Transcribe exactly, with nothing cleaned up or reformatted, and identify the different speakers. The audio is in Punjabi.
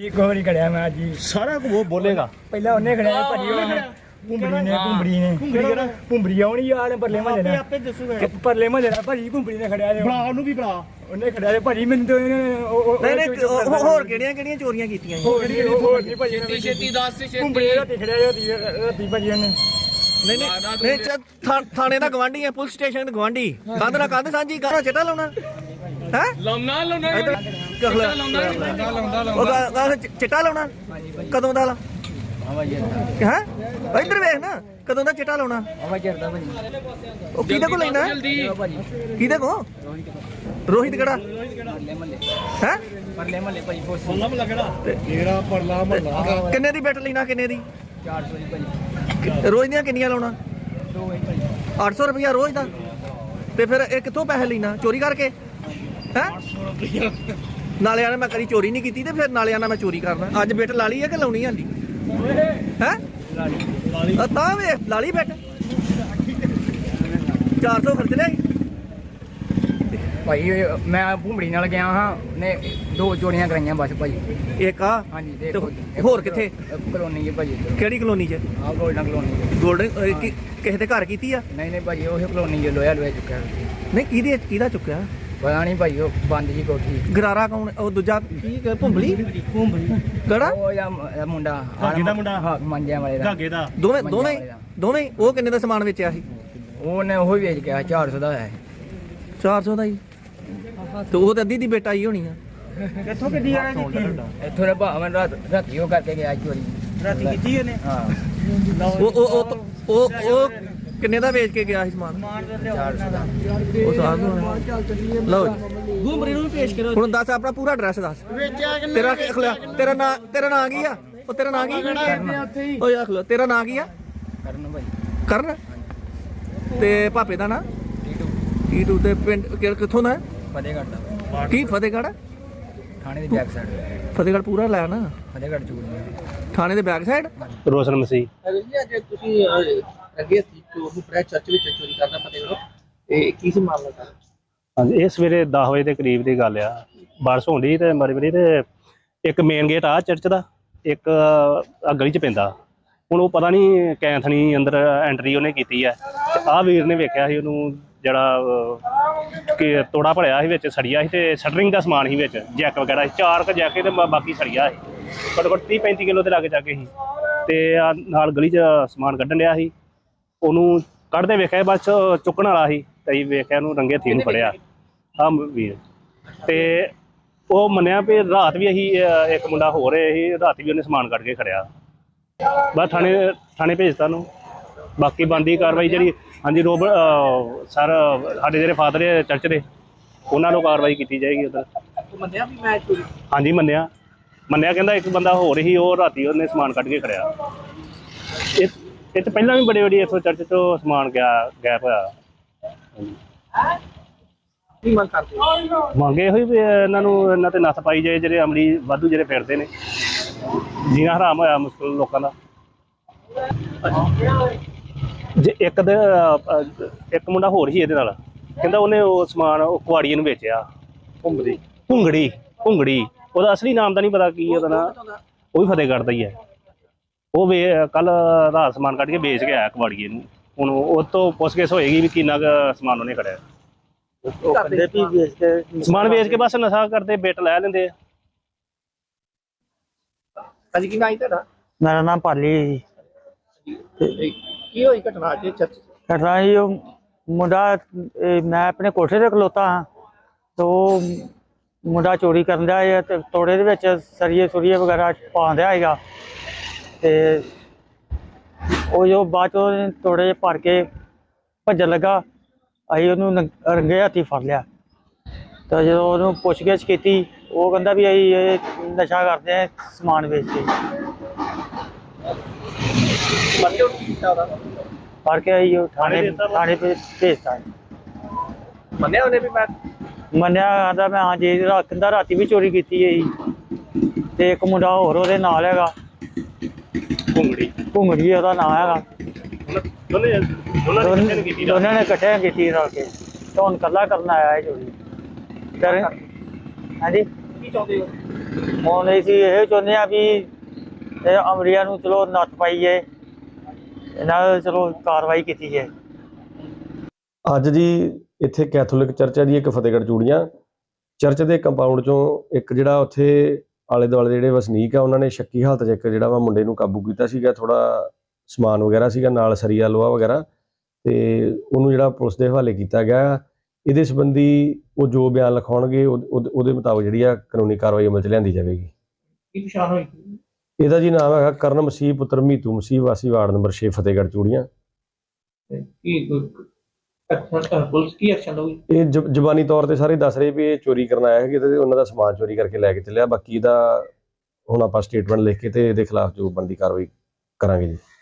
Speaker 1: ਇੱਕੋ ਵਾਰੀ ਖੜਿਆ ਮੈਂ ਅੱਜ ਹੀ।
Speaker 2: ਸਾਰਾ ਉਹ ਬੋਲੇਗਾ
Speaker 1: ਪਹਿਲਾਂ ਉਹਨੇ ਖੜਿਆ ਭਾਜੀ ਉਹਨੇ ਘੁੰਬੜੀ ਨੇ ਘੁੰਬੜੀ ਨੇ ਘੁੰਬੜੀ ਆਉਣੀ ਯਾਰ ਪਰਲੇ ਮਹੱਲੇ ਨਾਲ
Speaker 2: ਆਪੇ ਦੱਸੂਗਾ
Speaker 1: ਪਰਲੇ ਮਹੱਲੇ ਨਾਲ ਭਾਜੀ ਘੁੰਬੜੀ ਨੇ ਖੜਿਆ ਜੇ
Speaker 2: ਬਣਾ ਉਹਨੂੰ ਵੀ ਬਣਾ
Speaker 1: ਉਹਨੇ ਖੜਿਆ ਜੇ ਭਾਜੀ ਮੈਨੂੰ ਤਾਂ
Speaker 3: ਨਹੀਂ ਨਹੀਂ ਹੋਰ ਕਿਹੜੀਆਂ ਕਿਹੜੀਆਂ ਚੋਰੀਆਂ ਕੀਤੀਆਂ ਜੀ?
Speaker 1: ਹੋਰ ਨਹੀਂ ਹੋਰ ਨਹੀਂ ਭਾਜੀ
Speaker 4: ਛੇਤੀ ਛੇਤੀ ਦੱਸ ਛੇਤੀ
Speaker 1: ਘੁੰਬੜੀ ਰਾਤੀ ਖੜਿਆ ਜੇ ਰਾਤੀ ਭਾਜੀ ਉਹਨੇ
Speaker 3: ਨਹੀਂ ਨਹੀਂ ਨਹੀਂ ਚ- ਥਾ- ਥਾਣੇ ਦਾ ਗਵਾਂਢੀ ਹੈ, ਪੁਲਿਸ ਸਟੇਸ਼ਨ ਦਾ ਗਵਾਂਢੀ। ਕੰਧ ਨਾਲ ਕੰਧ ਸਾਂਝੀ ਕਰੋ, ਚਿੱਟਾ ਲਾਉਣਾ ਹੈ
Speaker 4: ਲਾਉਣਾ ਲਾਉਣਾ
Speaker 3: ਇੱਧਰ
Speaker 4: ਲਾਉਂਦਾ ਲਾਉਂਦਾ
Speaker 3: ਉਹ ਗਾ- ਗਾ- ਚ- ਚਿੱਟਾ ਲਾਉਣਾ ਕਦੋਂ ਦਾ ਲਾ ਹੈ ਇੱਧਰ ਵੇਖ ਨਾ ਕਦੋਂ ਦਾ ਚਿੱਟਾ ਲਾਉਣਾ ਉਹ ਕਿਹਦੇ ਕੋਲ ਲੈਣਾ
Speaker 4: ਜਲਦੀ
Speaker 3: ਕਿਹਦੇ ਕੋਲ ਰੋਹਿਤ ਕਿਹੜਾ ਹੈ
Speaker 1: ਪਰਲੇ ਮਹੱਲੇ ਭਾਜੀ ਫੋਰਸ
Speaker 2: ਜਿਹੜਾ ਪਰਲਾ ਮਹੱਲਾ
Speaker 3: ਕਿੰਨੇ ਦੀ ਬੈਟ ਲੈਣਾ ਕਿੰਨੇ ਦੀ
Speaker 1: ਚਾਰ ਸੌ ਦੀ ਭਾਜੀ
Speaker 3: ਰੋਜ਼ ਦੀਆਂ ਕਿੰਨੀਆਂ ਲਾਉਣਾ
Speaker 1: ਦੋ ਵਜੇ ਭਾਜੀ
Speaker 3: ਅੱਠ ਸੌ ਰੁਪਇਆ ਰੋਜ਼ ਦਾ ਤੇ ਫਿਰ ਇਹ ਕਿੱਥੋਂ ਪੈਸੇ ਲੈਣਾ ਚੋਰੀ ਕਰਕੇ ਹੈ ਨਾਲੇ ਆਣਾ ਮੈਂ ਕਦੀ ਚੋਰੀ ਨਹੀਂ ਕੀਤੀ ਤੇ ਫਿਰ ਨਾਲੇ ਆਣਾ ਮੈਂ ਚੋਰੀ ਕਰਨਾ ਅੱਜ ਬਿੱਟ ਲਾ ਲਈ ਹੈ ਕਿ ਲਾਉਣੀ ਆਂਦੀ ਹੈ ਆ ਤਾਂ ਵੇ ਲਾ ਲਈ ਬਿੱਟ ਚਾਰ ਸੌ ਖਰਚ ਲਿਆ
Speaker 1: ਭਾਈ ਮੈਂ ਘੁੰਬੜੀ ਨਾਲ ਗਿਆ ਹਾਂ ਨੇ ਦੋ ਚੋਰੀਆਂ ਕਰਾਈਆਂ ਬਸ ਭਾਜੀ
Speaker 3: ਇੱਕ ਆ
Speaker 1: ਹਾਂਜੀ
Speaker 3: ਤੇ
Speaker 1: ਦੇਖੋ
Speaker 3: ਹੋਰ ਕਿੱਥੇ
Speaker 1: ਕਲੋਨੀ ਜੀ ਭਾਜੀ
Speaker 3: ਕਿਹੜੀ ਕਲੋਨੀ 'ਚ
Speaker 1: ਆਹ ਗੋਲਡਨ ਕਲੋਨੀ
Speaker 3: ਗੋਲਡਨ ਕਿਸੇ ਦੇ ਘਰ ਕੀਤੀ ਆ
Speaker 1: ਨਹੀਂ ਨਹੀਂ ਭਾਜੀ ਉਹ ਕਲੋਨੀ ਜੋ ਲੋਇਆ ਲੋਇਆ ਚੁੱਕਿਆ
Speaker 3: ਨਹੀਂ ਕਿਹਦੇ ਕਿਹਦਾ ਚੁੱਕਿਆ
Speaker 1: ਪਤਾ ਨਹੀਂ ਭਾਈ ਉਹ ਬੰਦ ਜੀ ਕੋਠੀ
Speaker 3: ਗਰਾਰਾ ਕੌਣ ਉਹ ਦੂਜਾ ਕੀ ਕ- ਭੁੰਬਲੀ ਕਿਹੜਾ
Speaker 1: ਉਹ ਜਾਂ ਮ- ਮੁੰਡਾ
Speaker 2: ਧਾਗੇ ਦਾ ਮੁੰਡਾ?
Speaker 1: ਹਾਂ ਮੰਜਿਆਂ ਵਾਲੇ ਦਾ
Speaker 2: ਧਾਗੇ ਦਾ
Speaker 3: ਦੋਵੇਂ
Speaker 1: ਮੰਜਿਆਂ
Speaker 3: ਦੋਵੇਂ
Speaker 1: ਵਾਲੇ ਦਾ।
Speaker 3: ਦੋਵੇਂ ਉਹ ਕਿੰਨੇ ਦਾ ਸਮਾਨ ਵੇਚਿਆ ਸੀ
Speaker 1: ਉਹਨੇ ਉਹ ਹੀ ਵੇਚ ਗਿਆ ਚਾਰ ਸੌ ਦਾ ਹੋਇਆ
Speaker 3: ਚਾਰ ਸੌ ਦਾ ਹੀ ਤੇ ਉਹ ਤੇ ਅੱਧੀ ਦੀ ਬੇਟਾ ਹੀ ਹੋਣੀ ਆ
Speaker 2: ਕਿੱਥੋਂ ਕਿੱਡੀ ਆ
Speaker 1: ਇੱਥੋਂ ਦਾ ਭਾਵੇਂ ਰਾਤ ਰਾਤੀ ਉਹ ਕਰਕੇ ਗਿਆ ਚੋਰੀ
Speaker 2: ਰਾਤੀ ਕੀਤੀ ਇਹਨੇ
Speaker 1: ਹਾਂ
Speaker 3: ਉਹ ਉਹ ਉਹ ਉਹ ਉਹ ਕਿੰਨੇ ਦਾ ਵੇਚ ਕੇ ਗਿਆ ਸੀ ਸਮਾਨ
Speaker 1: ਚਾਰ ਸੌ ਦਾ
Speaker 3: ਉਹ ਸਾਹ ਲਓ ਜੀ
Speaker 2: ਗੁੰਬਰੀ ਨੂੰ ਪੇਸ਼ ਕਰੋ
Speaker 3: ਹੁਣ ਦੱਸ ਆਪਣਾ ਪੂਰਾ ਐਡਰੈਸ ਦੱਸ ਤੇਰਾ ਕੀ ਅਖਲਾ ਤੇਰਾ ਨਾਂ ਤੇਰਾ ਨਾਂ ਕੀ ਆ ਉਹ ਤੇਰਾ ਨਾਂ ਕੀ ਓਏ ਅਖਲਾ ਤੇਰਾ ਨਾਂ ਕੀ ਆ
Speaker 1: ਕਰਨ ਭਾਈ
Speaker 3: ਕਰਨ ਤੇ ਪਾਪੇ ਦਾ ਨਾਂ ਟੀਟੂ ਤੇ ਪਿੰਡ ਕਿ- ਕਿੱਥੋਂ ਦਾ ਹੈ?
Speaker 1: ਫਤਿਹਗੜ੍ਹ ਦਾ
Speaker 3: ਕੀ ਫਤਿਹਗੜ੍ਹ
Speaker 1: ਥਾਣੇ ਦੀ ਬੈਕ ਸਾਈਡ
Speaker 3: ਫਤਿਹਗੜ੍ਹ ਪੂਰਾ ਲੈ ਨਾ
Speaker 1: ਫਤਿਹਗੜ੍ਹ ਚੂੜੀ
Speaker 3: ਥਾਣੇ ਦੇ ਬੈਕ ਸਾਈਡ
Speaker 5: ਰੋਸ਼ਨ ਮਸੀਹ
Speaker 6: ਅੱਜ ਤੁਸੀਂ ਅੱਗੇ ਸੀ ਚੋਰ ਨੂੰ ਪ੍ਰੈਸ ਚਰਚ ਵਿੱਚ ਚੋਰੀ ਕਰਨਾ ਫਤਿਹਗੜ੍ਹ ਇਹ ਕੀ ਸੀ ਮਾਮਲਾ ਸਰ?
Speaker 5: ਹਾਂਜੀ ਇਹ ਸਵੇਰੇ ਦਸ ਵਜੇ ਦੇ ਕਰੀਬ ਦੀ ਗੱਲ ਆ ਬਾਰਿਸ਼ ਹੁੰਦੀ ਤੇ ਮਾਰੀ ਮਾਰੀ ਤੇ ਇੱਕ ਮੇਨ ਗੇਟ ਆ ਚਰਚ ਦਾ ਇੱਕ ਆ ਗਲੀ ਚ ਪੈਂਦਾ ਹੁਣ ਉਹ ਪਤਾ ਨਹੀਂ ਕੈਂਥਣੀ ਅੰਦਰ ਐਂਟਰੀ ਉਹਨੇ ਕੀਤੀ ਆ ਤੇ ਆਹ ਵੀਰ ਨੇ ਵੇਖਿਆ ਸੀ ਉਹਨੂੰ ਜਿਹੜਾ ਅਹ, ਕਿ ਤੋੜਾ ਭਲਿਆ ਸੀ ਵਿੱਚ ਸੜੀਆ ਸੀ ਤੇ ਸ਼ਟਰਿੰਗ ਦਾ ਸਮਾਨ ਸੀ ਵਿੱਚ ਜੈਕ ਵਗੈਰਾ ਸੀ ਚਾਰ ਕ ਜੈਕੇ ਤੇ ਬਾਕੀ ਸੜੀਆ ਸੀ ਘੱਟੋ ਘੱਟ ਤੀਹ ਪੈਂਤੀ ਕਿਲੋ ਦੇ ਲਾਗੇ ਜਾ ਕੇ ਸੀ ਤੇ ਆ ਨਾਲ ਗਲੀ 'ਚ ਸਮਾਨ ਕੱਢਣ ਡਿਆ ਸੀ ਉਹਨੂੰ ਕੱਢਦੇ ਵੇਖਿਆ ਬਸ ਚੁੱਕਣ ਵਾਲਾ ਸੀ ਤੇ ਵੇਖਿਆ ਉਹਨੂੰ ਰੰਗੇ ਹੱਥੀਂ ਨੂੰ ਫੜਿਆ ਆ ਵੀਰ ਤੇ ਉਹ ਮੰਨਿਆ ਵੀ ਰਾਤ ਵੀ ਅਸੀਂ ਅਹ, ਇੱਕ ਮੁੰਡਾ ਹੋ ਰਿਹਾ ਸੀ ਰਾਤ ਵੀ ਉਹਨੇ ਸਮਾਨ ਕੱਢ ਕੇ ਖੜਿਆ ਬਸ ਥਾਣੇ ਥਾਣੇ ਭੇਜਤਾ ਨੂੰ ਬਾਕੀ ਬਣਦੀ ਕਾਰਵਾਈ ਜਿਹੜੀ ਹਾਂਜੀ ਰੋਬ ਸਰ ਸਾਡੇ ਜਿਹੜੇ ਫਾਦਰ ਹੈ ਚਰਚ ਦੇ ਉਹਨਾਂ ਨੂੰ ਕਾਰਵਾਈ ਕੀਤੀ ਜਾਏਗੀ ਉਧਰ
Speaker 6: ਮੰਨਿਆ ਵੀ ਮੈਂ ਚੋਰੀ
Speaker 5: ਹਾਂਜੀ ਮੰਨਿਆ ਮੰਨਿਆ ਕਹਿੰਦਾ ਇੱਕ ਬੰਦਾ ਹੋਰ ਹੀ ਉਹ ਰਾਤੀ ਉਹਨੇ ਸਮਾਨ ਕੱਢ ਕੇ ਖੜਿਆ ਇਹ ਇਹ ਤਾਂ ਪਹਿਲਾਂ ਵੀ ਬੜੀ ਬੜੀ ਇੱਥੋਂ ਚਰਚ ਤੋਂ ਸਮਾਨ ਗਿਆ ਗੈਪ ਹੋਇਆ ਹਾਂਜੀ
Speaker 6: ਕੀ ਮੰਗ ਕਰਦੇ ਹੋ?
Speaker 5: ਮੰਗੇ ਹੋਈ ਵੀ ਇਹਨਾਂ ਨੂੰ ਇਹਨਾਂ ਤੇ ਨੱਥ ਪਾਈ ਜਾਏ ਜਿਹੜੇ ਅਮਲੀ ਵਾਧੂ ਜਿਹੜੇ ਫਿਰਦੇ ਨੇ ਜੀਣਾ ਹਰਾਮ ਹੋਇਆ ਮੁਸ਼ਕਿਲ ਲੋਕਾਂ ਦਾ ਜੇ ਇੱਕ ਦੇ ਅਹ, ਇੱਕ ਮੁੰਡਾ ਹੋਰ ਸੀ ਇਹਦੇ ਨਾਲ ਕਹਿੰਦਾ ਉਹਨੇ ਉਹ ਸਮਾਨ ਉਹ ਕੁਆੜੀਏ ਨੂੰ ਵੇਚਿਆ ਭੁੰਗੜੀ ਭੁੰਗੜੀ ਭੁੰਗੜੀ ਉਹਦਾ ਅਸਲੀ ਨਾਮ ਦਾ ਨਹੀਂ ਪਤਾ ਕੀ ਉਹਦਾ ਨਾਂ ਉਹ ਵੀ ਫਤਿਹਗੜ੍ਹ ਦਾ ਹੀ ਹੈ ਉਹ ਵੇ ਕੱਲ ਰਾਤ ਸਮਾਨ ਕੱਢ ਕੇ ਵੇਚ ਕੇ ਆਇਆ ਕੁਆੜੀਏ ਨੂੰ ਹੁਣ ਉਹ ਤੋਂ ਪੁੱਛਗਿੱਛ ਹੋਏਗੀ ਵੀ ਕਿੰਨਾ ਕੁ ਸਮਾਨ ਉਹਨੇ ਖੜਿਆ
Speaker 6: ਕਰਦੇ ਵੀ ਵੇਚ ਕੇ
Speaker 5: ਸਮਾਨ ਵੇਚ ਕੇ ਬਸ ਨਸ਼ਾ ਕਰਦੇ ਬਿੱਟ ਲੈ ਲੈਂਦੇ ਆ
Speaker 6: ਅੱਜ ਕੀ ਨਾਮ ਤੁਹਾਡਾ
Speaker 7: ਮੇਰਾ ਨਾਮ ਪਾਲੀ
Speaker 6: ਕੀ ਹੋਈ ਘਟਨਾ ਅੱਜ ਚਰਚ
Speaker 7: ਘਟਨਾ ਜੀ ਉਹ ਮੁੰਡਾ ਇਹ ਮੈਂ ਆਪਣੇ ਕੋਠੇ ਤੇ ਖਲੋਤਾ ਹਾਂ ਤੇ ਉਹ ਮੁੰਡਾ ਚੋਰੀ ਕਰਨ ਦਾ ਹੈ ਤੇ ਤੋੜੇ ਦੇ ਵਿੱਚ ਸਰੀਏ ਸੁਰੀਏ ਵਗੈਰਾ ਪਾਉਂਦਾ ਹੈਗਾ ਤੇ ਉਹ ਜੋ ਬਾਅਦ ਚੋਂ ਤੋੜੇ ਜਿਹੇ ਭਰ ਕੇ ਭੱਜਣ ਲੱਗਾ ਅਸੀਂ ਉਹਨੂੰ ਨੰ- ਰੰਗੇ ਹੱਥੀਂ ਫੜ ਲਿਆ ਤਾਂ ਜਦੋਂ ਉਹਨੂੰ ਪੁੱਛਗਿੱਛ ਕੀਤੀ ਉਹ ਕਹਿੰਦਾ ਵੀ ਅਸੀਂ ਇਹ ਨਸ਼ਾ ਕਰਦੇ ਹਾਂ ਸਮਾਨ ਵੇਚ ਕੇ
Speaker 6: ਮੰਨਿਓ ਕੀ ਕੀਤਾ ਉਹਦਾ
Speaker 7: ਫੜ ਕੇ ਅਸੀਂ ਉਹ ਥਾਣੇ ਥਾਣੇ ਤੇ ਭੇਜਤਾ
Speaker 6: ਮੰਨਿਆ ਉਹਨੇ ਵੀ ਮੈਂ
Speaker 7: ਮੰਨਿਆ ਕਹਿੰਦਾ ਮੈਂ ਹਾਂ ਜੀ ਰਾ- ਕਹਿੰਦਾ ਰਾਤੀ ਵੀ ਚੋਰੀ ਕੀਤੀ ਹੈ ਜੀ ਤੇ ਇੱਕ ਮੁੰਡਾ ਹੋਰ ਉਹਦੇ ਨਾਲ ਹੈਗਾ
Speaker 5: ਭੁੰਗੜੀ
Speaker 7: ਘੁੰਗੜੀ ਉਹਦਾ ਨਾਂ ਹੈਗਾ
Speaker 5: ਦੋਨੇ ਦੋਨਾਂ ਨੇ ਇਕੱਠੇ ਕੀਤੀ ਰਾਤ।
Speaker 7: ਦੋਨਾਂ ਨੇ ਇਕੱਠੇ ਕੀਤੀ ਰਲ ਕੇ ਤੇ ਹੁਣ ਇਕੱਲਾ ਕਰਨ ਆਇਆ ਹੈ ਚੋਰੀ ਫਿਰ ਹਾਂਜੀ
Speaker 6: ਕੀ ਕੀ ਚਾਹੁੰਦੇ ਹੋ?
Speaker 7: ਹੁਣ ਅਸੀਂ ਇਹ ਚਾਹੁੰਦੇ ਆ ਵੀ ਇਹ ਅਮਰੀਆ ਨੂੰ ਚਲੋ ਨੱਥ ਪਾਈਏ, ਇਹਨਾਂ ਨਾਲ ਚਲੋ ਕਾਰਵਾਈ ਕੀਤੀ ਜਾਏ।
Speaker 8: ਅੱਜ ਜੀ ਇੱਥੇ ਕੈਥੋਲਿਕ ਚਰਚ ਹੈ ਜੀ ਇੱਕ ਫਤਿਹਗੜ੍ਹ ਚੂੜੀਆਂ। ਚਰਚ ਦੇ ਕੰਪਾਊਂਡ ਚੋਂ ਇੱਕ ਜਿਹੜਾ ਉੱਥੇ ਆਲੇ ਦੁਆਲੇ ਦੇ ਜਿਹੜੇ ਵਸਨੀਕ ਆ ਉਹਨਾਂ ਨੇ ਸ਼ੱਕੀ ਹਾਲਤ 'ਚ ਇੱਕ ਜਿਹੜਾ ਵਾ ਮੁੰਡੇ ਨੂੰ ਕਾਬੂ ਕੀਤਾ ਸੀਗਾ। ਥੋੜਾ ਸਮਾਨ ਵਗੈਰਾ ਸੀਗਾ ਨਾਲ, ਸਰੀਆ ਲੋਹਾ ਵਗੈਰਾ, ਤੇ ਉਹਨੂੰ ਜਿਹੜਾ ਪੁਲਿਸ ਦੇ ਹਵਾਲੇ ਕੀਤਾ ਗਿਆ। ਇਹਦੇ ਸੰਬੰਧੀ ਉਹ ਜੋ ਬਿਆਨ ਲਿਖਾਉਣਗੇ ਉਹਦੇ ਮੁਤਾਬਕ ਜਿਹੜੀ ਆ ਕਾਨੂੰਨੀ ਕਾਰਵਾਈ ਅਮਲ 'ਚ ਲਿਆਂਦੀ ਜਾਵੇਗੀ।
Speaker 6: ਕੀ ਪਛਾਣ ਹੋਈ?
Speaker 8: ਇਹਦਾ ਜੀ ਨਾਮ ਹੈਗਾ ਕਰਨ ਮਸੀਹ ਪੁੱਤਰ ਮੀਤੂ ਮਸੀਹ, ਵਾਸੀ ਵਾਰਡ ਨੰਬਰ ਛੇ, ਫਤਿਹਗੜ੍ਹ ਚੂੜੀਆਂ।
Speaker 6: ਕੀ ਅੱਛਾ ਪੁਲਿਸ ਕੀ ਐਕਸ਼ਨ ਲਊਗੀ?
Speaker 8: ਇਹ ਜ ਜ਼ਬਾਨੀ ਤੌਰ ਤੇ ਸਾਰੇ ਦੱਸ ਰਹੇ ਵੀ ਇਹ ਚੋਰੀ ਕਰਨ ਆਇਆ ਹੈ ਤੇ ਉਹਨਾਂ ਦਾ ਸਮਾਨ ਚੋਰੀ ਕਰਕੇ ਲੈ ਕੇ ਚੱਲਿਆ। ਬਾਕੀ ਇਹਦਾ ਹੁਣ ਆਪਾਂ ਸਟੇਟਮੈਂਟ ਲਿਖ ਕੇ ਤੇ ਇਹਦੇ ਖਿਲਾਫ ਜੋ ਬਣਦੀ ਕਾਰਵਾਈ ਕਰਾਂਗੇ ਜੀ।